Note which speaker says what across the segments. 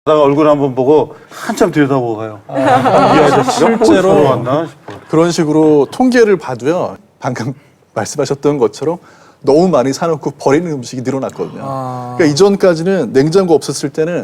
Speaker 1: 나가 얼굴 한번 보고 한참 들여다보고 가요. 이 아저씨가 실제로 왔나 싶어.
Speaker 2: 그런 식으로 통계를 봐도요. 방금 말씀하셨던 것처럼 너무 많이 사놓고 버리는 음식이 늘어났거든요. 그러니까 이전까지는 냉장고 없었을 때는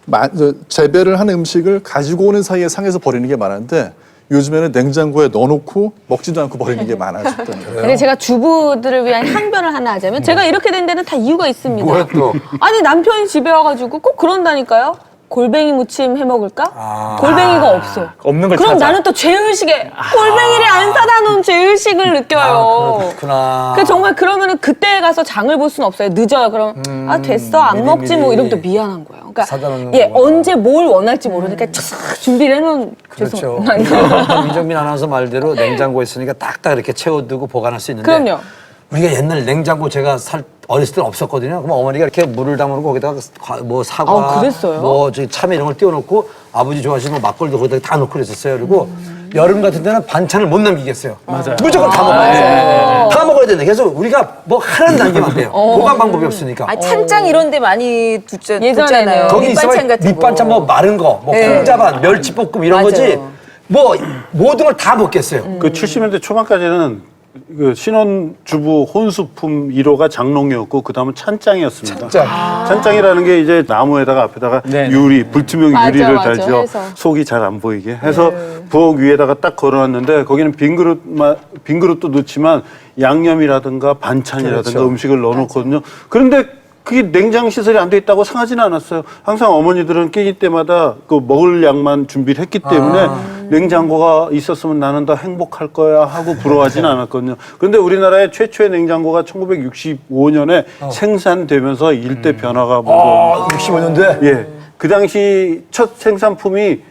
Speaker 2: 재배를 한 음식을 가지고 오는 사이에 상해서 버리는 게 많았는데 요즘에는 냉장고에 넣어놓고 먹지도 않고 버리는 게 많아졌다는 거예요.
Speaker 3: 근데 제가 주부들을 위한 항변을 하나 하자면 제가 이렇게 된 데는 다 이유가 있습니다.
Speaker 4: 뭐야 또?
Speaker 3: 아니 남편이 집에 와가지고 꼭 그런다니까요. 골뱅이 무침 해 먹을까? 골뱅이가 없어.
Speaker 5: 없는 걸
Speaker 3: 그럼
Speaker 5: 찾아.
Speaker 3: 나는 또 죄의식에 골뱅이를 안 사다 놓은 죄의식을 느껴요.
Speaker 4: 그렇구나.
Speaker 3: 그 정말 그러면은 그때 가서 장을 볼 수는 없어요. 늦어요. 그럼 아 됐어 안 먹지 뭐 이러면 또 미안한 거예요. 그러니까
Speaker 4: 사다 놓는
Speaker 3: 예
Speaker 4: 거구나.
Speaker 3: 언제 뭘 원할지 모르니까 쫙 준비를 해놓은
Speaker 4: 그렇죠.
Speaker 3: 죄송합니다.
Speaker 4: 민정민 아나운서 말대로 냉장고에 있으니까 딱딱 이렇게 채워두고 보관할 수 있는데.
Speaker 3: 그럼요.
Speaker 4: 우리가 옛날 냉장고 제가 어렸을 때는 없었거든요. 그럼 어머니가 이렇게 물을 담아놓고 거기다가 뭐 사과,
Speaker 3: 아, 그랬어요?
Speaker 4: 뭐 저기 참외 이런 걸 띄워놓고 아버지 좋아하시는 뭐 막걸리도 거기다 다 넣고 그랬었어요. 그리고 여름 같은 때는 반찬을 못 남기겠어요.
Speaker 5: 맞아요.
Speaker 4: 무조건 다 먹어야 돼. 다 먹어야 된다. 그래서 우리가 뭐 하나도 남기면 안 돼요. 보관 방법이 없으니까.
Speaker 6: 아, 찬장 이런 데 많이
Speaker 3: 예전에는.
Speaker 6: 뒀잖아요.
Speaker 4: 거기
Speaker 6: 밑반찬
Speaker 4: 있으면
Speaker 6: 같은 거.
Speaker 4: 밑반찬 뭐 마른 거, 뭐 콩자반, 멸치볶음 이런
Speaker 6: 맞아요.
Speaker 4: 거지. 뭐 모든 걸 다 먹겠어요.
Speaker 1: 그 70년대 초반까지는 그 신혼주부 혼수품 1호가 장롱이었고 그 다음은 찬장이었습니다. 찬장이라는 게 이제 나무에다가 앞에다가
Speaker 5: 네.
Speaker 1: 유리, 불투명
Speaker 3: 맞아,
Speaker 1: 유리를
Speaker 3: 맞아,
Speaker 1: 달죠.
Speaker 3: 해서.
Speaker 1: 속이 잘 안 보이게 해서 부엌 위에다가 딱 걸어놨는데 거기는 빈 그릇도 넣지만 양념이라든가 반찬이라든가
Speaker 4: 그렇죠.
Speaker 1: 음식을 넣어놓거든요. 그런데 그게 냉장 시설이 안 돼 있다고 상하지는 않았어요. 항상 어머니들은 끼니 때마다 그 먹을 양만 준비를 했기 때문에 냉장고가 있었으면 나는 더 행복할 거야 하고 부러워하지는 않았거든요. 그런데 우리나라의 최초의 냉장고가 1965년에 생산되면서 일대 변화가 먼저
Speaker 4: 65년대?
Speaker 1: 예. 그 당시 첫 생산품이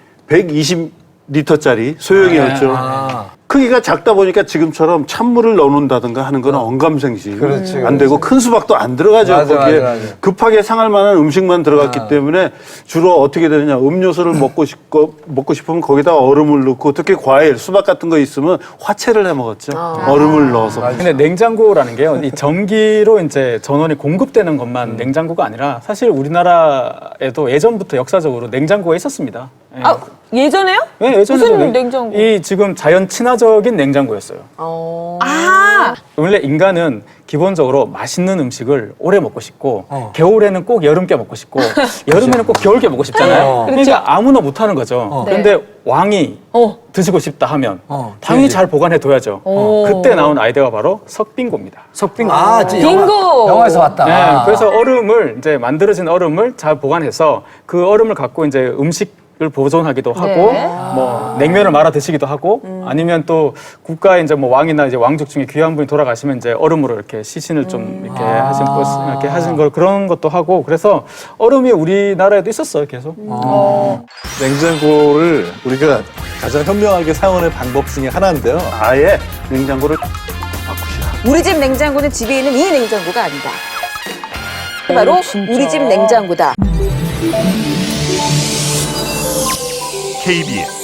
Speaker 1: 120리터짜리 소형이었죠. 크기가 작다 보니까 지금처럼 찬물을 넣어놓는다든가 하는 건 언감생심
Speaker 4: 그렇지,
Speaker 1: 안 되고 큰 수박도 안 들어가죠.
Speaker 4: 맞아,
Speaker 1: 거기에
Speaker 4: 맞아.
Speaker 1: 급하게 상할 만한 음식만 들어갔기 때문에 주로 어떻게 되느냐 음료수를 먹고 싶으면 거기다가 얼음을 넣고 특히 과일, 수박 같은 거 있으면 화채를 해 먹었죠. 얼음을 넣어서.
Speaker 5: 근데 냉장고라는 게요, 이 전기로 이제 전원이 공급되는 것만 냉장고가 아니라 사실 우리나라에도 예전부터 역사적으로 냉장고가 있었습니다. 예.
Speaker 3: 아 예전에요?
Speaker 5: 네, 예전에도
Speaker 3: 무슨 냉장고?
Speaker 5: 이 지금 자연 친화적인 냉장고였어요.
Speaker 3: 아
Speaker 5: 원래 인간은 기본적으로 맛있는 음식을 오래 먹고 싶고 겨울에는 꼭 여름께 먹고 싶고 여름에는 꼭 겨울께 먹고 싶잖아요. 그러니까 아무나 못하는 거죠. 그런데 왕이 드시고 싶다 하면 당연히 잘 보관해 둬야죠. 그때 나온 아이디어가 바로 석빙고입니다.
Speaker 4: 석빙.
Speaker 3: 빙고.
Speaker 4: 영화에서 봤다.
Speaker 5: 네, 그래서 얼음을 이제 만들어진 얼음을 잘 보관해서 그 얼음을 갖고 이제 음식을 보존하기도 하고
Speaker 3: 네.
Speaker 5: 뭐 냉면을 말아 드시기도 하고 아니면 또 국가의 이제 뭐 왕이나 이제 왕족 중에 귀한 분이 돌아가시면 이제 얼음으로 이렇게 시신을 좀 이렇게 하신 걸 그런 것도 하고 그래서 얼음이 우리나라에도 있었어요 계속.
Speaker 2: 냉장고를 우리가 가장 현명하게 사용하는 방법 중에 하나인데요.
Speaker 1: 아예 냉장고를 바꾸시라.
Speaker 6: 우리 집 냉장고는 집에 있는 이 냉장고가 아니다. 바로 우리 집 냉장고다.
Speaker 7: KBS